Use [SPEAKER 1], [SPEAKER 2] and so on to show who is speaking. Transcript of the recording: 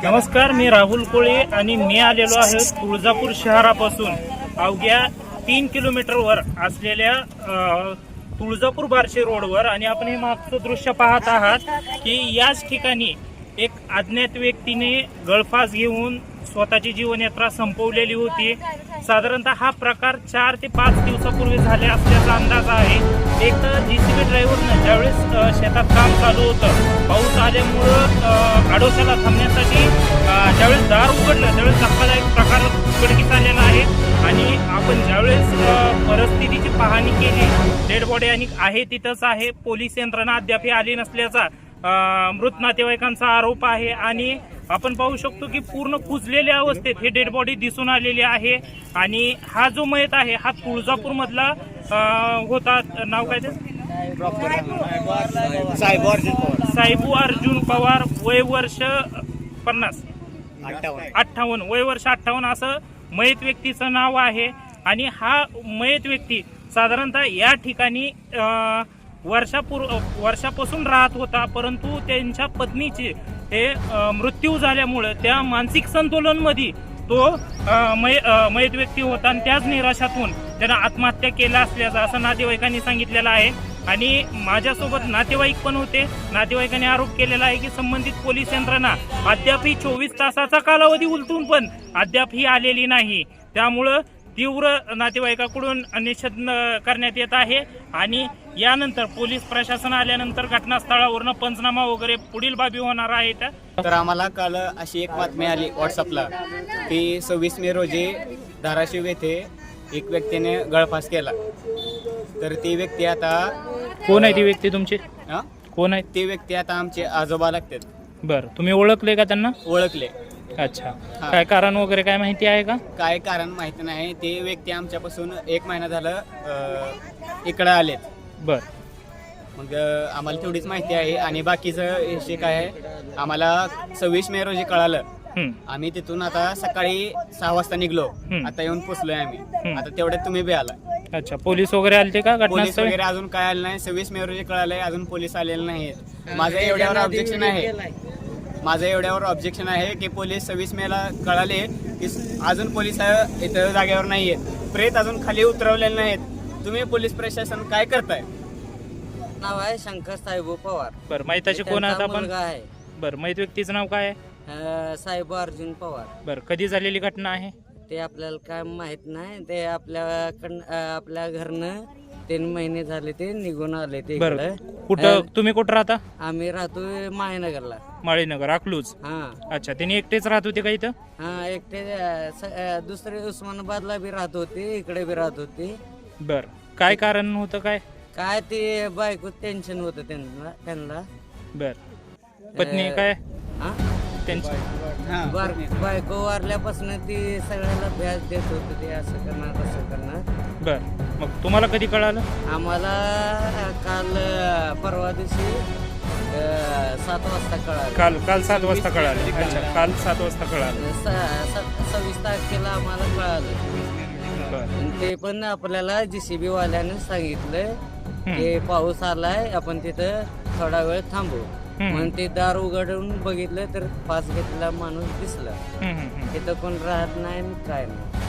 [SPEAKER 1] नमस्कार, मी राहुल कोळे आणि मी आलेलो आहे तुळजापूर शहरापासून अवघ्या 3 किलोमीटरवर असलेल्या तुळजापूर बार्शी रोडवर. आणि आपण हे मागचं दृश्य पाहत आहात की याच ठिकाणी एक अज्ञात व्यक्तीने गळफास घेऊन स्वतःची जीवनयात्रा संपवलेली होती. साधारणतः हा प्रकार 4 ते 5 दिवसापूर्वी झाले असल्याचा अंदाज आहे. एक JCB ड्रायव्हरनं ज्यावेळेस शेतात काम चालू होतं, पाऊस आल्यामुळं आडोशाला थांबण्यासाठी ज्यावेळेस दार उघडलं त्यावेळेस धक्कादायक प्रकार उघडकीस आलेला आहे. आणि आपण ज्यावेळेस परिस्थितीची पाहणी केली, डेड बॉडी आणि आहे तिथंच आहे. पोलीस यंत्रणा अद्याप आली नसल्याचा मृत नातेवाईकांचा आरोप आहे. आणि आपण पाहू शकतो की पूर्ण कुजलेल्या अवस्थेत हे डेड बॉडी दिसून आलेली आहे. आणि हा जो मयत आहे हा तुळजापूर मधला होता. नाव काय ते? साहेबू अर्जुन पवार, वय वर्ष 58, वय वर्ष 58 असं मयत व्यक्तीचं नाव आहे. आणि हा मयत व्यक्ती साधारणतः या ठिकाणी वर्षापासून राहत होता, परंतु त्यांच्या पत्नीची हे मृत्यू झाल्यामुळे त्या मानसिक संतुलन मध्ये तो मयत व्यक्ती होता. आणि त्याच निराशातून त्यानं आत्महत्या केला असल्याचं असं नातेवाईकांनी सांगितलेलं आहे. आणि माझ्यासोबत नातेवाईक पण होते. नातेवाईकांनी आरोप केलेला आहे की संबंधित पोलीस यंत्रणा अद्याप 24 तासाचा कालावधी उलटून पण अद्याप आलेली नाही. त्यामुळं तीव्र नातेवाईकाकडून निषेध करण्यात येत आहे. आणि यानंतर पोलीस प्रशासन आल्यानंतर घटनास्थळावरून पंचनामा वगैरे पुढील बाबी होणार आहेत.
[SPEAKER 2] तर आम्हाला काल अशी एक बातमी आली व्हॉट्सअपला की 26 मे रोजी धाराशिव येथे एक व्यक्तीने गळफास केला. तर ती व्यक्ती आता
[SPEAKER 1] कोण आहे? ती व्यक्ती तुमची कोण आहे?
[SPEAKER 2] ती व्यक्ती आता आमचे आजोबा लागतात.
[SPEAKER 1] बरं, तुम्ही ओळखले का त्यांना?
[SPEAKER 2] ओळखले.
[SPEAKER 1] अच्छा, काय कारण वगैरे काय माहिती आहे का?
[SPEAKER 2] काय कारण माहिती नाही. ते व्यक्ती आमच्यापासून 1 महिना झालं इकडं आलेत.
[SPEAKER 1] बर,
[SPEAKER 2] मग आम्हाला तेवढीच माहिती आहे. आणि बाकीचं विषय काय आहे आम्हाला 26 मे रोजी कळालं. आम्ही तिथून आता सकाळी 6 वाजता निघलो. आता येऊन पोचलोय आम्ही. आता तेवढ्यात तुम्ही बी आला.
[SPEAKER 1] अच्छा, पोलीस वगैरे आलते का?
[SPEAKER 2] पोलीस वगैरे अजून काय आलं नाही. 26 मे रोजी कळालंय, अजून पोलीस आलेले नाहीत. माझं एवढ्यावर ऑब्जेक्शन आहे की पोलीस 26 मेला कळाले की अजून पोलीस इथं जागेवर नाहीयेत. प्रेत अजून खाली उतरवलेले नाहीत. तुम्ही पोलीस प्रशासन काय करताय?
[SPEAKER 3] नाव आहे शंकर साहेबू पवार.
[SPEAKER 1] बरं, माहिताची कोण आता आपण?
[SPEAKER 3] मुलगा आहे.
[SPEAKER 1] बरं, माहित व्यक्तीचं नाव काय आहे?
[SPEAKER 3] साहेबू अर्जुन पवार.
[SPEAKER 1] बरं, कधी झालेली घटना आहे?
[SPEAKER 3] ते आपल्याला काय माहित नाही. ते आपल्या घरनं 3 महिने झाले ते निघून आले ते.
[SPEAKER 1] बरं, कुठं तुम्ही कुठं राहता?
[SPEAKER 3] आम्ही राहतोय माळीनगरला.
[SPEAKER 1] माळीनगर, अकलूज.
[SPEAKER 3] हा.
[SPEAKER 1] अच्छा, त्यांनी एकटेच राहत होते का इथं?
[SPEAKER 3] हा, एकटे. दुसरे उस्मानाबादला बी राहत होते, इकडे बी राहत होते.
[SPEAKER 1] बरं, काय कारण होतं?
[SPEAKER 3] काय ते बायको टेन्शन होतं त्यांना.
[SPEAKER 1] बर, पत्नी काय त्यांची?
[SPEAKER 3] बायको वारल्यापासून ती सगळ्याला व्याज देत होते. ते असं करणार तसं करणार.
[SPEAKER 1] बर, मग तुम्हाला कधी कळालं?
[SPEAKER 3] आम्हाला काल परवा दिवशी 7 वाजता कळालं.
[SPEAKER 1] काल 7 वाजता कळालं. अच्छा, काल 7 वाजता कळालं.
[SPEAKER 3] 26 तारखेला आम्हाला कळालं. ते पण आपल्याला JCB वाल्याने सांगितलं की पाऊस आलाय, आपण तिथं थोडा वेळ थांबू. म्हणून ते दार उघडून बघितलं तर फास घेतलेला माणूस दिसला. तिथं कोण राहत नाही काय नाही.